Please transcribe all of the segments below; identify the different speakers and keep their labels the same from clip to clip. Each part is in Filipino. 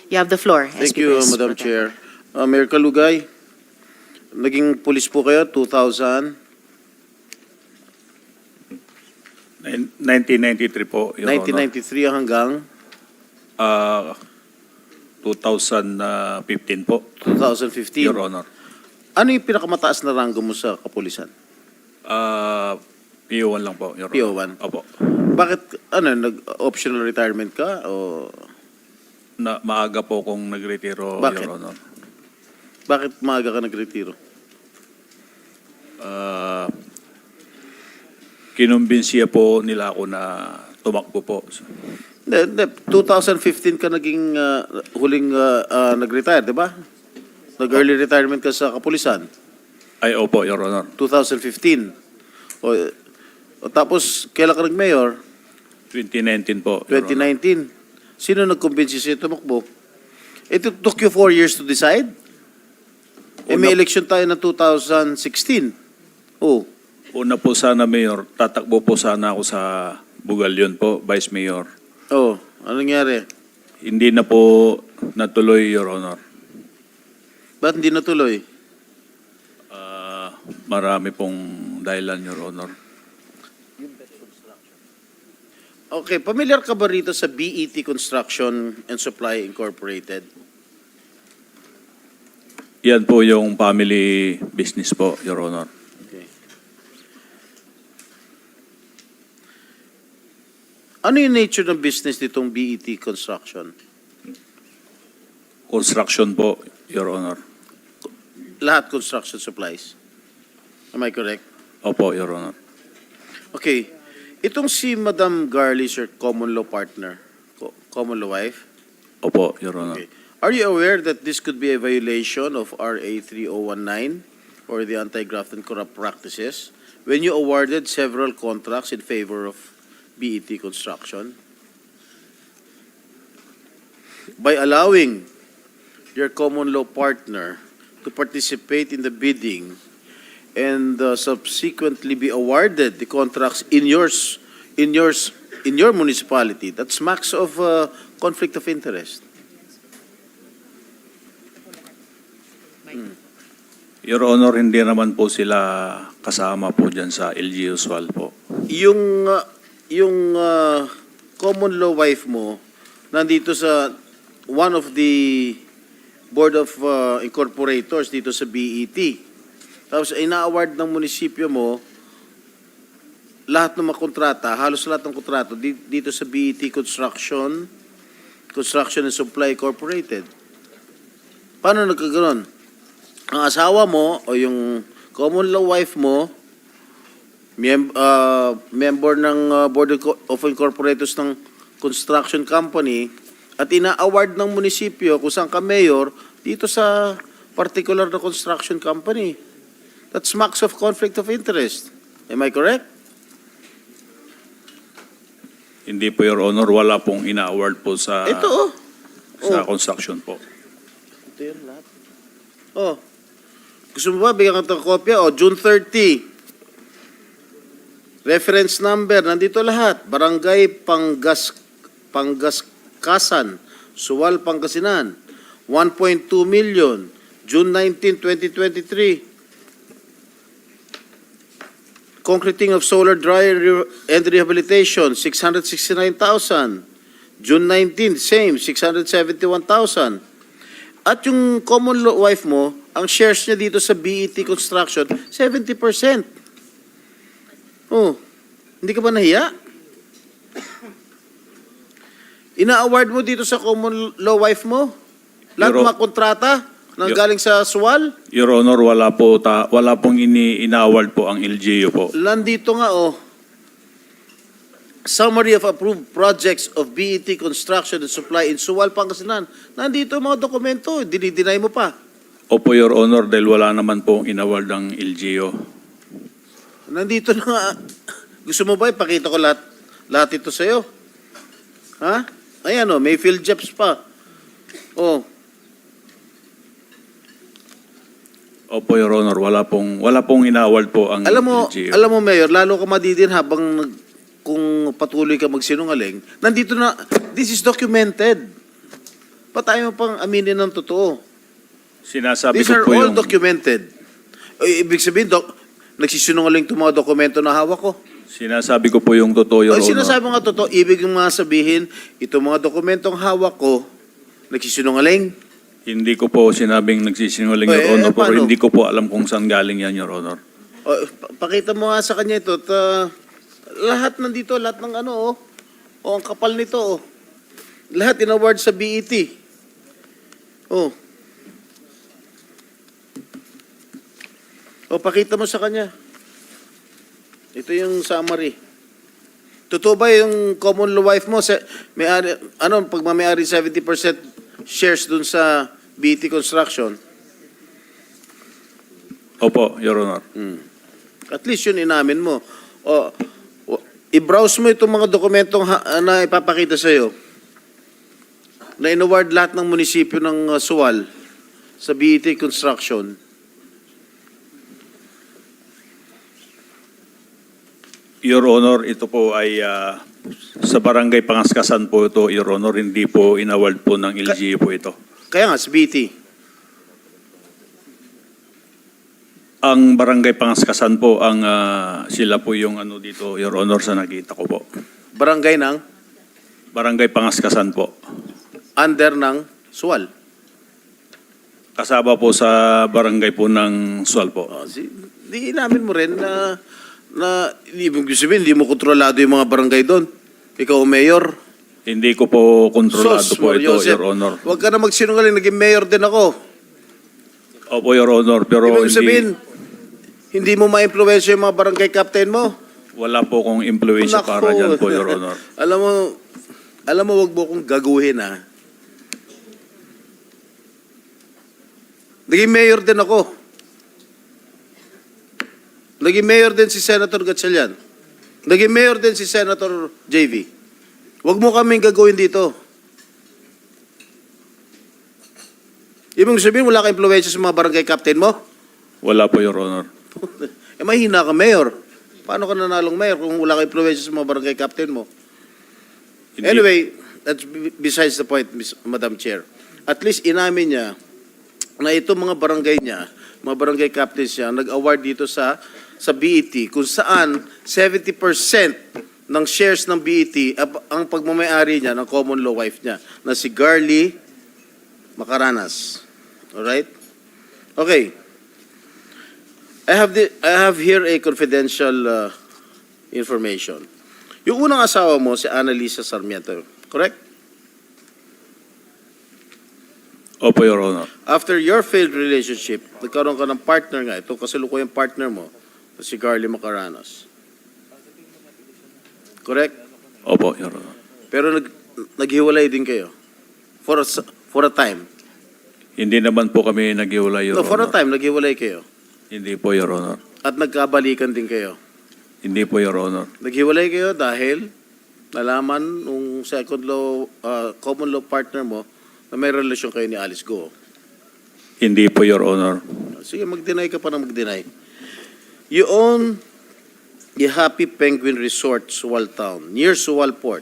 Speaker 1: You have the floor.
Speaker 2: Thank
Speaker 1: SP
Speaker 2: you,
Speaker 1: Vice
Speaker 2: Madam
Speaker 1: Pro Tem.
Speaker 2: Chair. Mayor Kalugay, naging pulis po kayo 2000,
Speaker 3: 1993 po, Your
Speaker 2: 1993 hanggang
Speaker 3: Honor. 2015 po,
Speaker 2: 2015.
Speaker 3: Your Honor.
Speaker 2: Ano yung pinakamataas na ranggo mo sa kapulisan?
Speaker 3: PO1 lang po, Your
Speaker 2: PO1?
Speaker 3: Honor. Opo.
Speaker 2: Bakit, nag-optional retirement ka? O
Speaker 3: Maaga po kung nagretiro,
Speaker 2: Bakit?
Speaker 3: Your Honor.
Speaker 2: bakit maaga ka nagretiro?
Speaker 3: Kinumbinsiya po nila ako na tumakbo po.
Speaker 2: Hindi, 2015 ka naging huling nag-retire, di ba? Nag-early retirement ka sa kapulisan.
Speaker 3: Ay, opo, Your Honor.
Speaker 2: 2015. O tapos, kailan ka nag-mayor?
Speaker 3: 2019 po, Your Honor.
Speaker 2: 2019. Sino nag-convince sa'yo tumakbo? It took you 4 years to decide? May election tayo na 2016. Oh.
Speaker 3: Una po sana, Mayor, tatakbo po sana ako sa Bugalyon po, Vice Mayor.
Speaker 2: Oh, ano nangyari?
Speaker 3: Hindi na po natuloy, Your Honor.
Speaker 2: Ba't hindi natuloy?
Speaker 3: Marami pong dahilan, Your Honor.
Speaker 2: Okay, familiar ka ba rito sa BET Construction and Supply Incorporated?
Speaker 3: Yan po yung family business po, Your Honor.
Speaker 2: Okay. Ano yung nature ng business nitong BET Construction?
Speaker 3: Construction po, Your Honor.
Speaker 2: Lahat construction supplies. Am I correct?
Speaker 3: Opo, Your Honor.
Speaker 2: Okay. Itong si Madam Garly, your common law partner, common law wife,
Speaker 3: Opo, Your Honor.
Speaker 2: okay. Are you aware that this could be a violation of RA 3019 or the Anti-Graft and Corrupt Practices when you awarded several contracts in favor of BET Construction? By allowing your common law partner to participate in the bidding and subsequently be awarded the contracts in your municipality, that smacks of conflict of interest.
Speaker 3: Your Honor, hindi naman po sila kasama po dyan sa LG Usual po.
Speaker 2: Yung common law wife mo nandito sa one of the board of incorporators dito sa BET. Tapos ina-award ng munisipyo mo lahat ng mga kontrata, halos lahat ng kontrato dito sa BET Construction and Supply Incorporated. Paano nagkaganon? Ang asawa mo o yung common law wife mo, member ng Board of Incorporators ng construction company, at ina-award ng munisipyo kung saan ka mayor dito sa particular na construction company. That smacks of conflict of interest. Am I correct?
Speaker 3: Hindi po, Your Honor, wala pong ina-award po sa,
Speaker 2: Ito,
Speaker 3: sa construction po.
Speaker 2: Ito yun lahat. Oh. Gusto mo ba bigyan ka ng kopya? Oh, June 30. Reference number, nandito lahat. Barangay Panggaskasan, Suwal, Pangasinan. 1.2 million. June 19, 2023. Concreting of solar dryer and rehabilitation, 669,000. June 19, same, 671,000. At yung common law wife mo, ang shares niya dito sa BET Construction, 70%. Oh, hindi ka ba nahiya? Ina-award mo dito sa common law wife mo? Lahat ng mga kontrata nang galing sa SWAL?
Speaker 3: Your Honor, wala pong ina-award po ang LGU po.
Speaker 2: Nandito nga, oh. Summary of approved projects of BET Construction and Supply in Suwal, Pangasinan. Nandito ang mga dokumento, dinideny mo pa.
Speaker 3: Opo, Your Honor, dahil wala naman pong in-award ang LGU.
Speaker 2: Nandito na nga. Gusto mo ba ipakita ko lahat ito sa'yo? Ha? Ayan, oh, may field jobs pa. Oh,
Speaker 3: Opo, Your Honor, wala pong ina-award po ang LGU.
Speaker 2: Alam mo, Mayor, lalo ka madidin habang kung patuloy ka magsinungaling. Nandito na, this is documented. Pa tayo pang aminin ng totoo?
Speaker 3: Sinasabi
Speaker 2: These
Speaker 3: ko
Speaker 2: are
Speaker 3: po
Speaker 2: all
Speaker 3: yung...
Speaker 2: documented. Ibig sabihin, nagsisinungaling itong mga dokumento na hawak ko.
Speaker 3: Sinasabi ko po yung totoo, Your
Speaker 2: Ay,
Speaker 3: Honor.
Speaker 2: sinasabi mo nga totoo, ibig yung mga sabihin, itong mga dokumentong hawak ko, nagsisinungaling.
Speaker 3: Hindi ko po sinabing nagsisinungaling, Your Honor, pero
Speaker 2: paano?
Speaker 3: hindi ko po alam kung saan galing yan, Your Honor.
Speaker 2: O, pakita mo nga sa kanya ito. Lahat nandito, lahat ng ano, oh. O, ang kapal nito, oh. Lahat in-award sa BET. Oh. O, pakita mo sa kanya. Ito yung summary. Totoo ba yung common law wife mo? Pag may-ari 70% shares dun sa BET Construction?
Speaker 3: Opo, Your Honor.
Speaker 2: At least yun inamin mo. I-browse mo itong mga dokumentong na ipapakita sa'yo na in-award lahat ng munisipyo ng Suwal sa BET Construction.
Speaker 3: Your Honor, ito po ay sa barangay Pangaskasan po ito, Your Honor. Hindi po in-award po ng LGU po ito.
Speaker 2: Kaya nga, sa BET.
Speaker 3: Ang barangay Pangaskasan po, ang sila po yung ano dito, Your Honor, sa nakita ko po.
Speaker 2: Barangay ng
Speaker 3: Barangay Pangaskasan po.
Speaker 2: under ng Suwal.
Speaker 3: Kasama po sa barangay po ng Sual po.
Speaker 2: Di inamin mo rin na ibig sabihin, hindi mo kontrolado yung mga barangay doon. Ikaw ang mayor.
Speaker 3: Hindi ko po kontrolado
Speaker 2: Sos,
Speaker 3: po ito,
Speaker 2: Joseph,
Speaker 3: Your Honor.
Speaker 2: huwag ka na magsinungaling, naging mayor din ako.
Speaker 3: Opo, Your Honor, pero
Speaker 2: Ibig sabihin, hindi mo ma-influensya yung mga barangay captain mo.
Speaker 3: wala po kong impluensya
Speaker 2: Nako.
Speaker 3: para dyan po, Your Honor.
Speaker 2: alam mo, wag mo kong gaguhin, ha? Naging mayor din ako. Naging mayor din si Senator Gatchalian. Naging mayor din si Senator JV. Wag mo kaming gagawin dito. Ibig sabihin, wala ka impluensya sa mga barangay captain mo?
Speaker 3: Wala po, Your Honor.
Speaker 2: Mahina ka, mayor. Paano ka nanalong mayor kung wala ka impluensya sa mga barangay captain mo?
Speaker 3: Hindi-
Speaker 2: Anyway, that's besides the point, Madam Chair. At least inamin niya na itong mga barangay niya, mga barangay captains niya, nag-award dito sa BET kung saan 70% ng shares ng BET ang pagmamayari niya ng common law wife niya na si Garly Macaranas. Alright? Okay. I have here a confidential information. Yung unang asawa mo, si Annalisa Sarmiento, correct?
Speaker 3: Opo, Your Honor.
Speaker 2: After your failed relationship, nagkaroon ka ng partner nga. Ito kasalukuyang partner mo, si Garly Macaranas. Correct?
Speaker 3: Opo, Your Honor.
Speaker 2: Pero naghiwalay din kayo. For a time.
Speaker 3: Hindi naman po kami naghiwalay, Your
Speaker 2: No, for a
Speaker 3: Honor.
Speaker 2: time, naghiwalay kayo.
Speaker 3: Hindi po, Your Honor.
Speaker 2: At nagkabalikan din kayo.
Speaker 3: Hindi po, Your Honor.
Speaker 2: Naghiwalay kayo dahil nalaman nung common law partner mo na may relasyon kayo ni Alice Go.
Speaker 3: Hindi po, Your Honor.
Speaker 2: Sige, mag-deny ka pa na mag-deny. You own the Happy Penguin Resort, Suwal Town, near Suwal Port.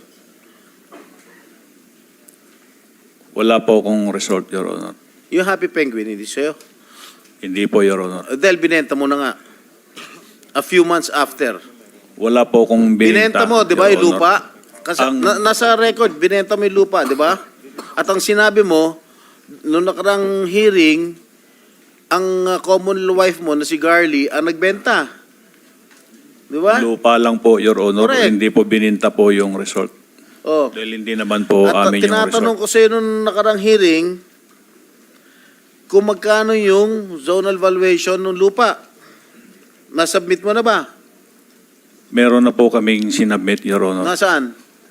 Speaker 3: Wala po akong resort, Your Honor.
Speaker 2: Yung Happy Penguin, hindi sa'yo.
Speaker 3: Hindi po, Your Honor.
Speaker 2: Dahil binenta mo na nga. A few months after.
Speaker 3: Wala po akong
Speaker 2: Binenta mo, di ba,
Speaker 3: Your
Speaker 2: yung
Speaker 3: Honor.
Speaker 2: lupa? Kasi nasa record, binenta mo yung lupa, di ba? At ang sinabi mo, noong nakarang hearing, ang common law wife mo na si Garly ang nagbenta. Di ba?
Speaker 3: Lupa lang po, Your Honor.
Speaker 2: Correct.
Speaker 3: Hindi po bininta po yung resort.
Speaker 2: Oh.
Speaker 3: Dahil hindi naman po
Speaker 2: At
Speaker 3: amin yung
Speaker 2: tinatanong
Speaker 3: resort.
Speaker 2: ko sa'yo noong nakarang hearing, kung magkano yung zonal valuation ng lupa. Nasubmit mo na ba?
Speaker 3: Meron na po kaming sinabmit, Your Honor.
Speaker 2: Nasaan?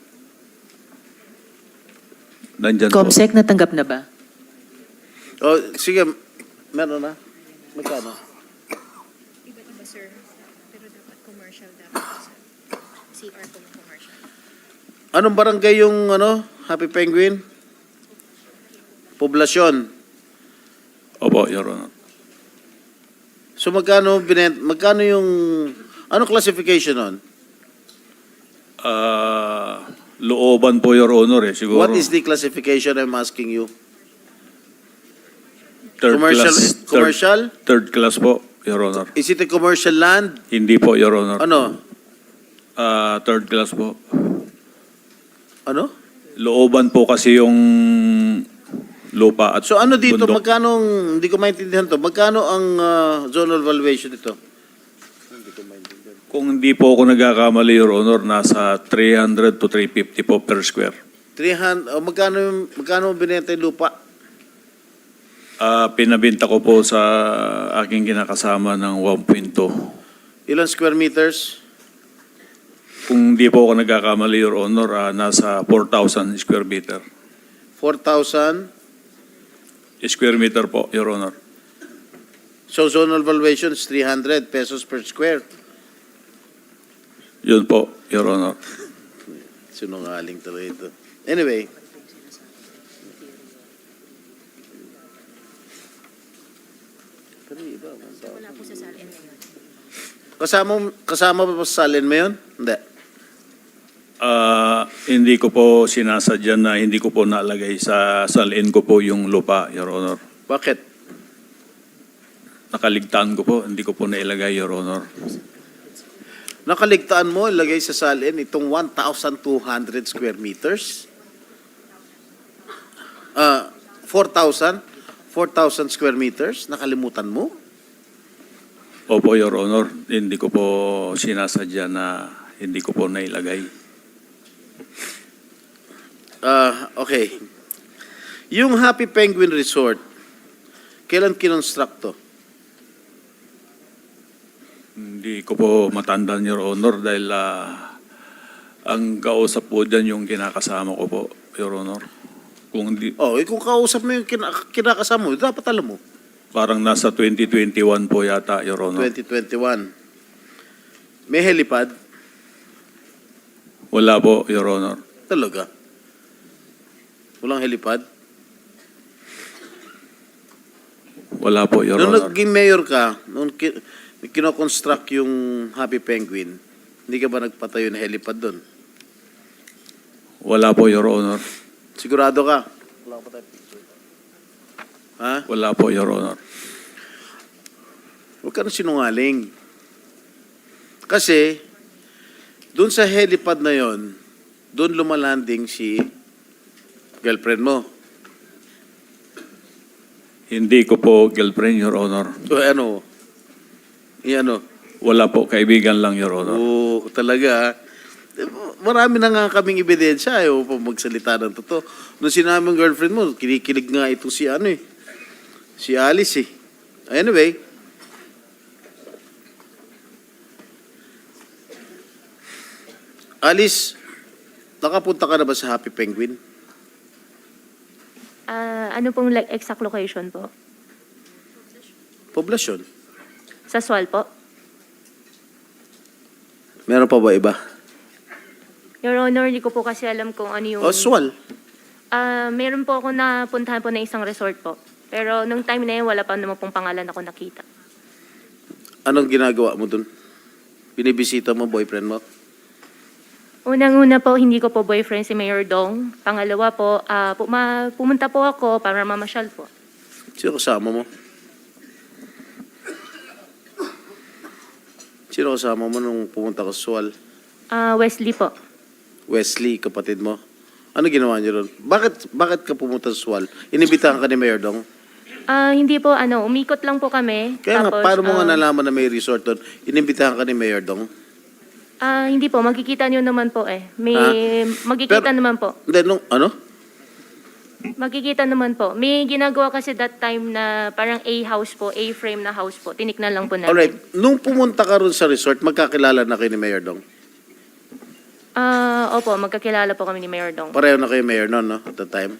Speaker 3: Nandyan po.
Speaker 1: Comsec, natanggap na ba?
Speaker 2: O, sige, meron na. Magkano?
Speaker 4: Iba-iba, sir. Pero dapat commercial dapat, sir. CR po yung commercial.
Speaker 2: Anong barangay yung Happy Penguin? Poblasyon.
Speaker 3: Opo, Your Honor.
Speaker 2: So magkano yung anong classification nun?
Speaker 3: Looban po, Your Honor, eh. Siguro.
Speaker 2: What is the classification I'm asking you? Commercial?
Speaker 3: Third class po, Your Honor.
Speaker 2: Is it a commercial land?
Speaker 3: Hindi po, Your Honor.
Speaker 2: Ano?
Speaker 3: Third class po.
Speaker 2: Ano?
Speaker 3: Looban po kasi yung lupa at
Speaker 2: So ano dito,
Speaker 3: bundok.
Speaker 2: magkano, hindi ko maintindihan to, magkano ang zonal valuation dito?
Speaker 3: Kung hindi po ako nagkakamali, Your Honor, nasa 300 to 350 po per square.
Speaker 2: 300, magkano binenta yung lupa?
Speaker 3: Pinabinta ko po sa aking kinakasama ng 1.2.
Speaker 2: Ilan square meters?
Speaker 3: Kung hindi po ako nagkakamali, Your Honor, nasa 4,000 square meter.
Speaker 2: 4,000?
Speaker 3: Square meter po, Your Honor.
Speaker 2: So zonal valuation is 300 pesos per square.
Speaker 3: Yun po, Your Honor.
Speaker 2: Sinungaling talaga ito. Anyway.
Speaker 4: Wala po sa salin ngayon.
Speaker 2: Kasama ba sa salin mo yun? Hindi.
Speaker 3: Hindi ko po sinasadya na hindi ko po nalagay sa salin ko po yung lupa, Your Honor.
Speaker 2: Bakit?
Speaker 3: Nakaligtaan ko po, hindi ko po nailagay, Your Honor.
Speaker 2: Nakaligtaan mo, ilagay sa salin itong 1,200 square meters? 4,000 square meters? Nakalimutan mo?
Speaker 3: Opo, Your Honor, hindi ko po sinasadya na hindi ko po nailagay.
Speaker 2: Okay. Yung Happy Penguin Resort, kailan kinonstruct to?
Speaker 3: Hindi ko po matandaan, Your Honor, dahil ang kausap po dyan yung kinakasama ko po, Your Honor. Kung hindi,
Speaker 2: Kung kausap mo yung kinakasama mo, dapat alam mo.
Speaker 3: parang nasa 2021 po yata, Your Honor.
Speaker 2: 2021. May helipad?
Speaker 3: Wala po, Your Honor.
Speaker 2: Talaga? Walang helipad?
Speaker 3: Wala po, Your
Speaker 2: Nung
Speaker 3: Honor.
Speaker 2: naging mayor ka, nung kinoconstruct yung Happy Penguin, hindi ka ba nagpatayo ng helipad doon?
Speaker 3: Wala po, Your Honor.
Speaker 2: Sigurado ka? Ha?
Speaker 3: Wala po, Your Honor.
Speaker 2: Huwag ka na sinungaling. Kasi, doon sa helipad na yon, doon lumalanding si girlfriend mo.
Speaker 3: Hindi ko po girlfriend, Your Honor.
Speaker 2: So ano? Ano?
Speaker 3: Wala po, kaibigan lang, Your Honor.
Speaker 2: Oo, talaga. Marami na nga kaming ebidensya. Ayaw pa magsalita ng totoo. Nung sinabi ng girlfriend mo, kinikilig nga ito si si Alice eh. Anyway. Alice, nakapunta ka na ba sa Happy Penguin?
Speaker 1: Ano pong exact location po?
Speaker 2: Poblasyon.
Speaker 1: Sa Sual po?
Speaker 2: Meron pa ba iba?
Speaker 1: Your Honor, hindi ko po kasi alam kung ano yung...
Speaker 2: Oswal.
Speaker 1: Meron po ako napuntahan po na isang resort po. Pero nung time na yun, wala pa naman pong pangalan ako nakita.
Speaker 2: Anong ginagawa mo dun? Binibisita mo boyfriend mo?
Speaker 1: Unang-una po, hindi ko po boyfriend si Mayor Dong. Pangalawa po, pumunta po ako para mamasyal po.
Speaker 2: Sino kasama mo? Sino kasama mo nung pumunta ka sa Sual?
Speaker 1: Wesley po.
Speaker 2: Wesley, kapatid mo. Ano ginawa niyo ron? Bakit ka pumunta sa Sual? Inibitahan ka ni Mayor Dong?
Speaker 1: Hindi po, umikot lang po kami.
Speaker 2: Kaya nga,
Speaker 1: Tapos,
Speaker 2: paano mo nga nalaman na may resort doon? Inibitahan ka ni Mayor Dong?
Speaker 1: Hindi po, magkikita nyo naman po eh. Magkikita
Speaker 2: Pero-
Speaker 1: naman po.
Speaker 2: Hindi, nung ano?
Speaker 1: Magkikita naman po. May ginagawa kasi that time na parang A-house po, A-frame na house po. Tiniknan lang po namin.
Speaker 2: Alright, nung pumunta ka ron sa resort, magkakilala na kayo ni Mayor Dong?
Speaker 1: Opo, magkakilala po kami ni Mayor Dong.
Speaker 2: Pareho na kayo Mayor noon, no? At the time?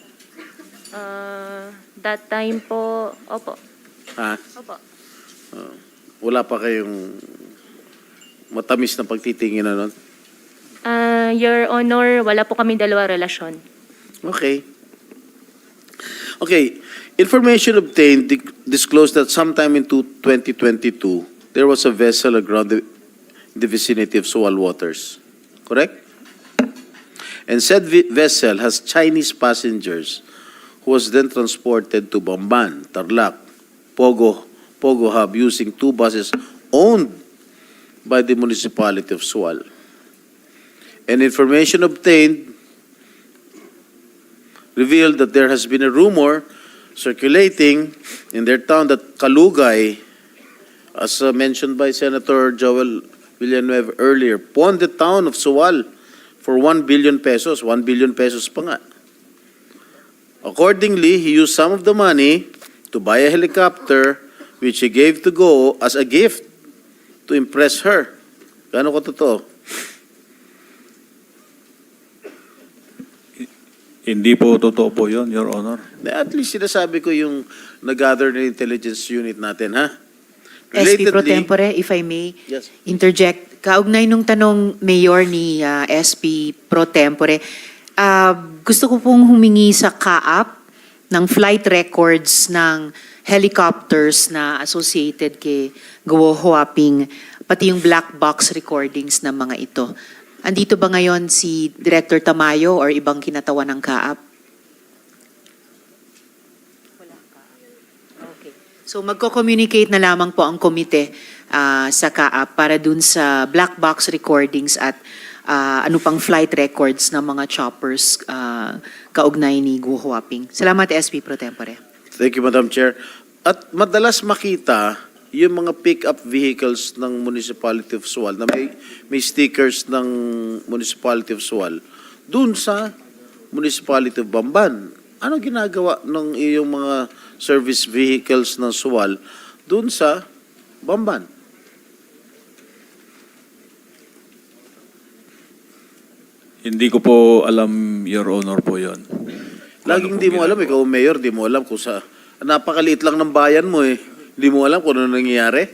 Speaker 1: That time po, opo.
Speaker 2: Ha?
Speaker 1: Opo.
Speaker 2: Wala pa kayong matamis na pagtitingin na nun?
Speaker 1: Your Honor, wala po kami dalawa relasyon.
Speaker 2: Okay. Okay. Information obtained disclosed that sometime in 2022, there was a vessel aground in the vicinity of Sual waters. Correct? And said vessel has Chinese passengers who was then transported to Bamban, Tarlac, Pogo Hub using 2 buses owned by the municipality of Sual. And information obtained revealed that there has been a rumor circulating in their town that Kalugay, as mentioned by Senator Joel Villanueva earlier, pawned the town of Sual for 1 billion pesos. 1 billion pesos pa nga. Accordingly, he used some of the money to buy a helicopter which he gave to Go as a gift to impress her. Gaano ko totoo?
Speaker 3: Hindi po totoo po yun, Your Honor.
Speaker 2: At least sinasabi ko yung nag-gather na intelligence unit natin, ha?
Speaker 5: SP Pro
Speaker 2: Relatedly-
Speaker 5: Tempore, if I may
Speaker 2: Yes.
Speaker 5: interject. Kaugnay nung tanong Mayor ni SP Pro Tempore, gusto ko pong humingi sa CAAP ng flight records ng helicopters na associated kay Guo Huaping, pati yung black box recordings ng mga ito. Andito ba ngayon si Director Tamayo or ibang kinatawan ng CAAP? Okay. So magko-communicate na lamang po ang komite sa CAAP para dun sa black box recordings at ano pang flight records ng mga choppers kaugnay ni Guo Huaping. Salamat, SP Pro Tempore.
Speaker 2: Thank you, Madam Chair. At madalas makita yung mga pick-up vehicles ng Municipality of Sual na may stickers ng Municipality of Sual dun sa Municipality of Bamban. Ano ginagawa ng iyong mga service vehicles ng Sual dun sa Bamban?
Speaker 3: Hindi ko po alam, Your Honor, po yun.
Speaker 2: Laging
Speaker 3: Ano
Speaker 2: di
Speaker 3: po
Speaker 2: mo alam,
Speaker 3: ginagawa?
Speaker 2: ikaw mayor, di mo alam kung sa... Napakaliit lang ng bayan mo eh. Di mo alam kung ano nangyayari.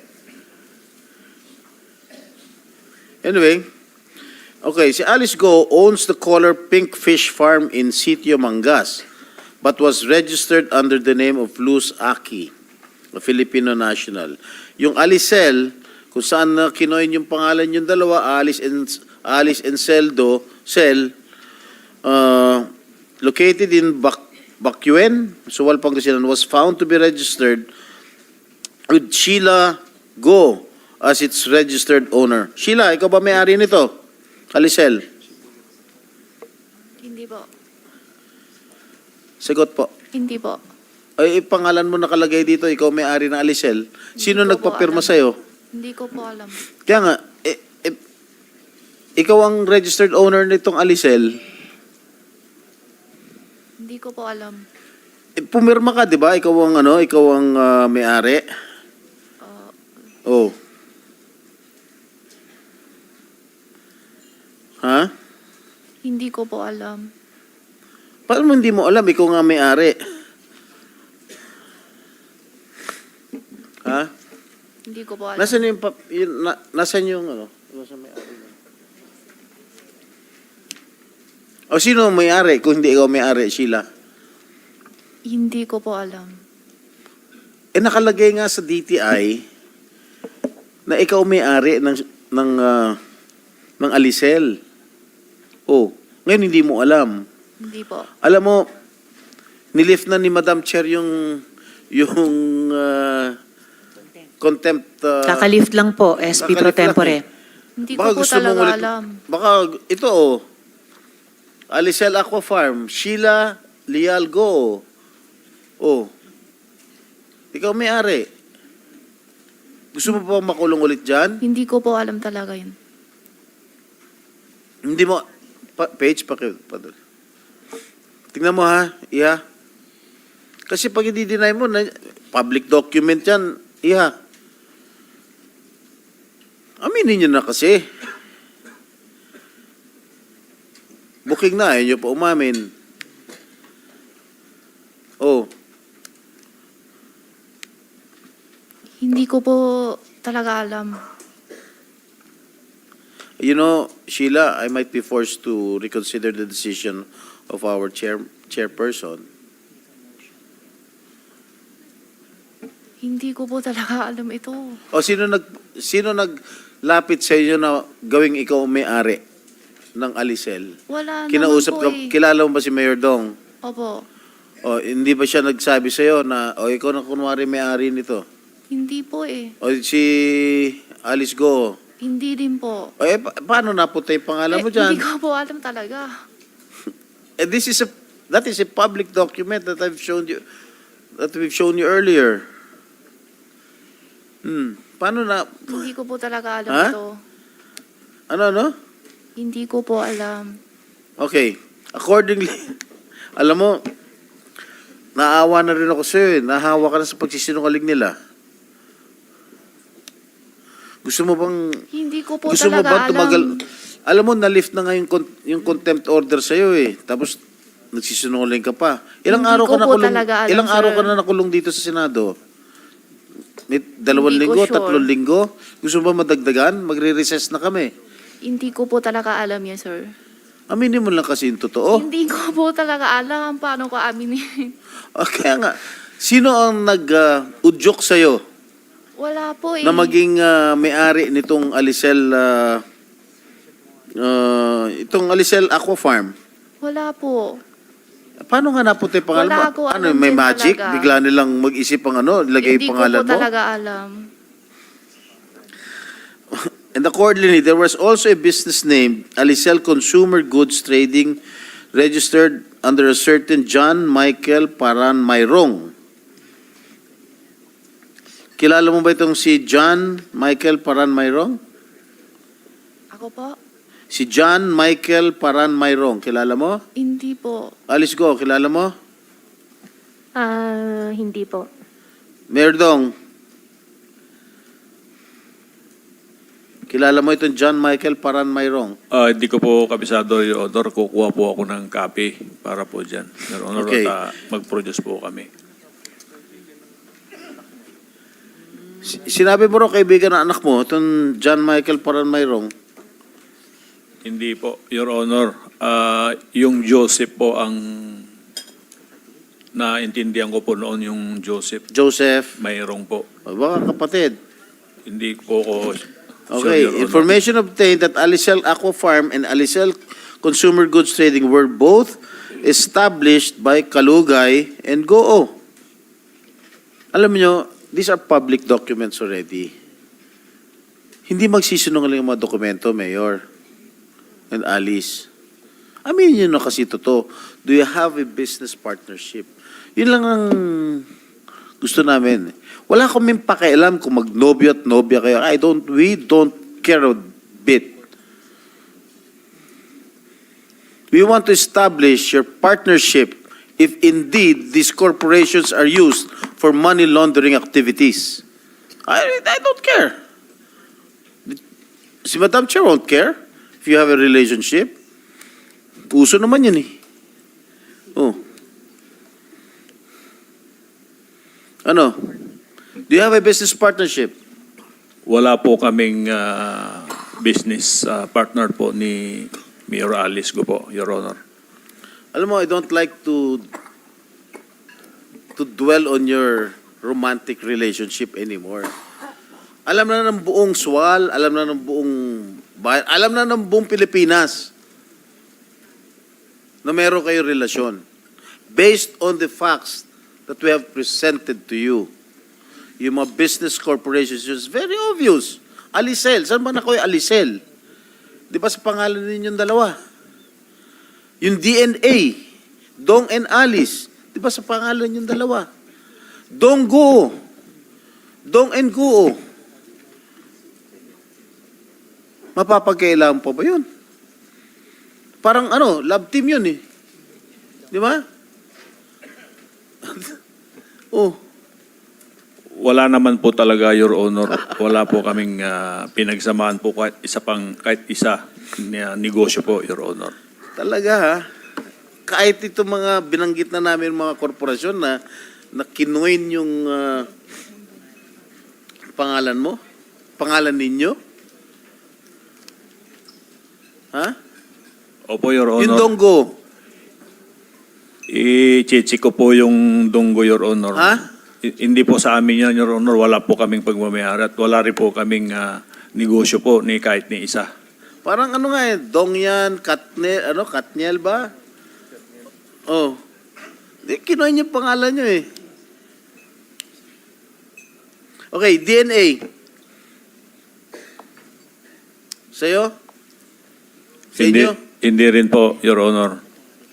Speaker 2: Anyway, okay, si Alice Go owns the color Pink Fish Farm in Sitio Mangas, but was registered under the name of Luz Aki, a Filipino national. Yung Alicel, kung saan na kinoin yung pangalan yung dalawa, Alice and Cel, located in Bacuén, Suwal, Pangasinan, was found to be registered with Sheila Go as its registered owner. Sheila, ikaw ba may-ari nito? Alicel?
Speaker 1: Hindi po.
Speaker 2: Sagot po.
Speaker 1: Hindi po.
Speaker 2: Ay, pangalan mo nakalagay dito, ikaw may-ari ng Alicel. Sino
Speaker 1: Hindi ko po
Speaker 2: nagpapirma
Speaker 1: alam.
Speaker 2: sa'yo?
Speaker 1: Hindi ko po alam.
Speaker 2: Kaya nga, ikaw ang registered owner nitong Alicel.
Speaker 1: Hindi ko po alam.
Speaker 2: Pumirma ka, di ba? Ikaw ang may-ari. Oh. Ha?
Speaker 1: Hindi ko po alam.
Speaker 2: Paano mo hindi mo alam? Ikaw nga may-ari. Ha?
Speaker 1: Hindi ko po alam.
Speaker 2: Nasaan yung, nasaan yung Nasaan may-ari? O sino ang may-ari kung hindi ikaw may-ari, Sheila?
Speaker 1: Hindi ko po alam.
Speaker 2: Nakalagay nga sa DTI na ikaw may-ari ng Alicel. Oh, ngayon hindi mo alam.
Speaker 1: Hindi po.
Speaker 2: Alam mo, nilift na ni Madam Chair yung contempt.
Speaker 5: Kakalift lang po, SP Pro
Speaker 2: Kakalift lang
Speaker 5: Tempore.
Speaker 1: Hindi ko po talaga alam.
Speaker 2: Baka ito Alicel Aqua Farm, Sheila Leal Go. Oh. Ikaw may-ari. Gusto mo pa makulong ulit dyan?
Speaker 1: Hindi ko po alam talaga yun.
Speaker 2: Hindi mo, page pa. Tingnan mo ha, Iha. Kasi pag i-deny mo, public document yan, Iha. Aminin nyo na kasi. Booking na, ayaw nyo pa umamin. Oh.
Speaker 1: Hindi ko po talaga alam.
Speaker 2: You know, Sheila, I might be forced to reconsider the decision of our chairperson.
Speaker 1: Hindi ko po talaga alam ito.
Speaker 2: O sino naglapit sa inyo na gawing ikaw ang may-ari ng Alicel?
Speaker 1: Wala
Speaker 2: Kinausap
Speaker 1: naman po
Speaker 2: ka, kilala mo ba si Mayor Dong?
Speaker 1: Opo.
Speaker 2: O, hindi ba siya nagsabi sa'yo na, o, ikaw na kunwari may-ari nito?
Speaker 1: Hindi po eh.
Speaker 2: O, si Alice Go.
Speaker 1: Hindi din po.
Speaker 2: O, paano napunta yung pangalan mo dyan?
Speaker 1: Hindi ko po alam talaga.
Speaker 2: That is a public document that we've shown you earlier. Paano na,
Speaker 1: Hindi ko po talaga alam
Speaker 2: Ha?
Speaker 1: ito.
Speaker 2: ano?
Speaker 1: Hindi ko po alam.
Speaker 2: Okay. Accordingly, alam mo, naawa na rin ako sa'yo eh. Nahawa ka na sa pagsisinungaling nila. Gusto mo bang,
Speaker 1: Hindi ko po
Speaker 2: gusto mo
Speaker 1: talaga
Speaker 2: ba tumagal?
Speaker 1: alam.
Speaker 2: Alam mo, na-lift na nga yung contempt order sa'yo eh. Tapos, nagsisinungaling ka pa. Ilang
Speaker 1: Hindi
Speaker 2: araw
Speaker 1: ko
Speaker 2: ka na
Speaker 1: po
Speaker 2: kulong,
Speaker 1: talaga alam,
Speaker 2: ilang araw
Speaker 1: sir.
Speaker 2: ka na nakulong dito sa Senado? May 2
Speaker 1: Hindi ko
Speaker 2: linggo,
Speaker 1: sure.
Speaker 2: 3 linggo? Gusto mo ba madagdagan? Magre-recess na kami.
Speaker 1: Hindi ko po talaga alam yan, sir.
Speaker 2: Aminin mo lang kasi yung totoo.
Speaker 1: Hindi ko po talaga alam paano ko aminin.
Speaker 2: Kaya nga, sino ang nag-udyok sa'yo
Speaker 1: Wala po eh.
Speaker 2: na maging may-ari nitong Alicel, itong Alicel Aqua Farm?
Speaker 1: Wala po.
Speaker 2: Paano nga napunta yung pangalan mo?
Speaker 1: Wala ko
Speaker 2: Ano,
Speaker 1: alam
Speaker 2: may
Speaker 1: din
Speaker 2: magic?
Speaker 1: talaga.
Speaker 2: Bigla nilang mag-isip ang ilagay
Speaker 1: Hindi
Speaker 2: yung
Speaker 1: ko
Speaker 2: pangalan
Speaker 1: po
Speaker 2: mo?
Speaker 1: talaga alam.
Speaker 2: And accordingly, there was also a business name, Alicel Consumer Goods Trading, registered under a certain John Michael Paran Mayrong. Kilala mo ba itong si John Michael Paran Mayrong?
Speaker 1: Ako po?
Speaker 2: Si John Michael Paran Mayrong, kilala mo?
Speaker 1: Hindi po.
Speaker 2: Alice Go, kilala mo?
Speaker 1: Hindi po.
Speaker 2: Mayor Dong, kilala mo itong John Michael Paran Mayrong?
Speaker 3: Hindi ko po kabisado, Your Honor. Kukuha po ako ng copy para po dyan. Your Honor,
Speaker 2: Okay.
Speaker 3: at mag-produce po kami.
Speaker 2: Sinabi mo rin kaibigan ng anak mo, itong John Michael Paran Mayrong.
Speaker 3: Hindi po, Your Honor. Yung Joseph po ang naintindihan ko po noon, yung Joseph
Speaker 2: Joseph,
Speaker 3: Mayroong po.
Speaker 2: baka kapatid.
Speaker 3: Hindi po ko
Speaker 2: Okay,
Speaker 3: sure, Your Honor.
Speaker 2: information obtained that Alicel Aqua Farm and Alicel Consumer Goods Trading were both established by Kalugay and Goo. Alam niyo, these are public documents already. Hindi magsisinungaling ang mga dokumento, Mayor and Alice. Aminin niyo na kasi totoo. Do you have a business partnership? Yun lang ang gusto namin. Wala kaming pakialam kung magnobyo at nobya kayo. We don't care a bit. We want to establish your partnership if indeed these corporations are used for money laundering activities. I don't care. Si Madam Chair won't care if you have a relationship. Puso naman yun eh. Oh. Ano? Do you have a business partnership?
Speaker 3: Wala po kaming business partner po ni Mayor Alice ko po, Your Honor.
Speaker 2: Alam mo, I don't like to dwell on your romantic relationship anymore. Alam na ng buong Sual, alam na ng buong bayan, alam na ng buong Pilipinas na meron kayong relasyon. Based on the facts that we have presented to you, yung mga business corporations, it's very obvious. Alicel, saan ba na kayo Alicel? Di ba sa pangalan ninyong dalawa? Yung DNA, Dong and Alice, di ba sa pangalan ninyong dalawa? Dong Guo, Dong and Guo. Mapapagkailangan pa ba yun? Parang love team yun eh. Di ba? Oh.
Speaker 3: Wala naman po talaga, Your Honor. Wala po kaming pinagsamaan po kahit isa na negosyo po, Your Honor.
Speaker 2: Talaga ha? Kahit ito mga binanggit na namin mga korporasyon na kinuin yung pangalan mo? Pangalan ninyo? Ha?
Speaker 3: Opo, Your Honor.
Speaker 2: Yung Donggo?
Speaker 3: I-check ko po yung Donggo, Your Honor.
Speaker 2: Ha?
Speaker 3: Hindi po sa amin yan, Your Honor. Wala po kaming pagmamayari at wala rin po kaming negosyo po ni kahit ni isa.
Speaker 2: Parang Dong yan, Katniel ba? Oh. Kinuha niya pangalan niyo eh. Okay, DNA. Sa'yo? Sa
Speaker 3: Hindi,
Speaker 2: inyo?
Speaker 3: hindi rin po, Your Honor.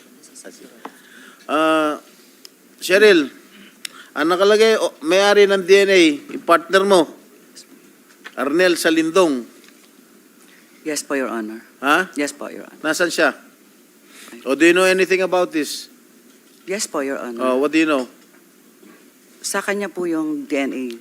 Speaker 2: Cheryl, ang nakalagay, may-ari ng DNA, yung partner mo, Arnel Salindong.
Speaker 6: Yes po, Your Honor.
Speaker 2: Ha?
Speaker 6: Yes po, Your Honor.
Speaker 2: Nasaan siya? O do you know anything about this?
Speaker 6: Yes po, Your Honor.
Speaker 2: What do you know?
Speaker 6: Sa kanya po yung DNA.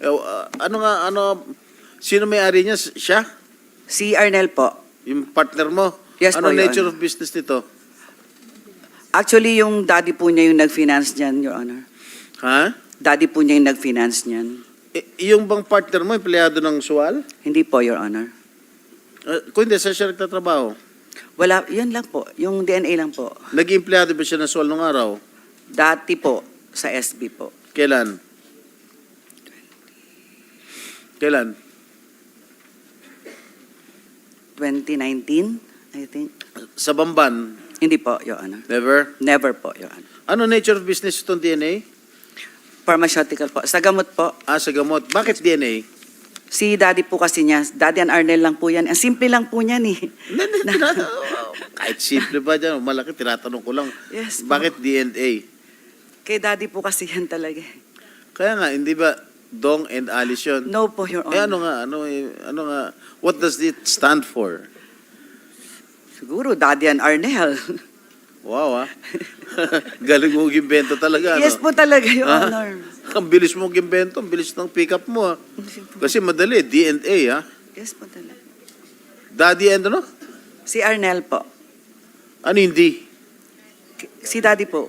Speaker 2: Sino may-ari niya? Siya?
Speaker 6: Si Arnel po.
Speaker 2: Yung partner mo?
Speaker 6: Yes
Speaker 2: ano
Speaker 6: po, Your
Speaker 2: nature
Speaker 6: Honor.
Speaker 2: of business nito?
Speaker 6: Actually, yung daddy po niya yung nag-finance niyan, Your Honor.
Speaker 2: Ha?
Speaker 6: Daddy po niya yung nag-finance niyan.
Speaker 2: Yung bang partner mo, empleyado ng SUAL?
Speaker 6: Hindi po, Your Honor.
Speaker 2: Kung hindi, saan siya nagtatrabaho?
Speaker 6: Wala, yun lang po. Yung DNA lang po.
Speaker 2: Naging empleyado ba siya ng SUAL nung araw?
Speaker 6: Dati po, sa SB po.
Speaker 2: Kailan? Kailan?
Speaker 6: 2019, I think.
Speaker 2: Sa Bamban?
Speaker 6: Hindi po, Your Honor.
Speaker 2: Never?
Speaker 6: Never po, Your Honor.
Speaker 2: Ano nature of business itong DNA?
Speaker 6: Pharmaceutical po. Sa gamot po.
Speaker 2: Sa gamot. Bakit DNA?
Speaker 6: Si daddy po kasi niya, daddy and Arnel lang po yan. Ang simple lang po niyan eh.
Speaker 2: Kahit simple ba dyan, malaki, tinatanong ko lang.
Speaker 6: Yes po.
Speaker 2: Bakit DNA?
Speaker 6: Kay daddy po kasi yan talaga eh.
Speaker 2: Kaya nga, hindi ba Dong and Alice yun?
Speaker 6: No po, Your Honor.
Speaker 2: Ano nga, what does it stand for?
Speaker 6: Siguro, Daddy and Arnel.
Speaker 2: Wow, galing mo gimbento talaga,
Speaker 6: Yes po talaga, Your
Speaker 2: Ha?
Speaker 6: Honor.
Speaker 2: Ang bilis mo gimbento, ang bilis ng pick up mo, ha? Kasi madali, DNA, ha?
Speaker 6: Yes po talaga.
Speaker 2: Daddy and ano?
Speaker 6: Si Arnel po.
Speaker 2: Ano hindi?
Speaker 6: Si Daddy po.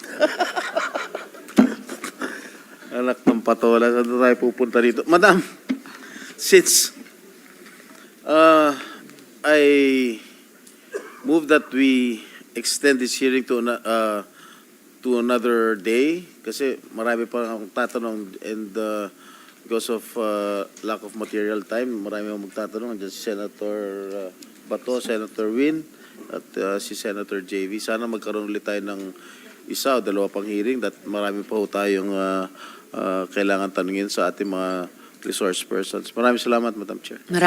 Speaker 2: Anak ng patola, saan tayo pupunta dito? Madam, since I move that we extend this hearing to another day, kasi marami pa akong tatanong and because of lack of material time, marami akong magtatanong. Andiyan si Senator Bato, Senator Win, at si Senator JV. Sana magkaroon ulit tayo ng isa o dalawa pang hearing that marami pa ho tayong kailangan tanungin sa ating mga resource persons. Maraming salamat, Madam Chair.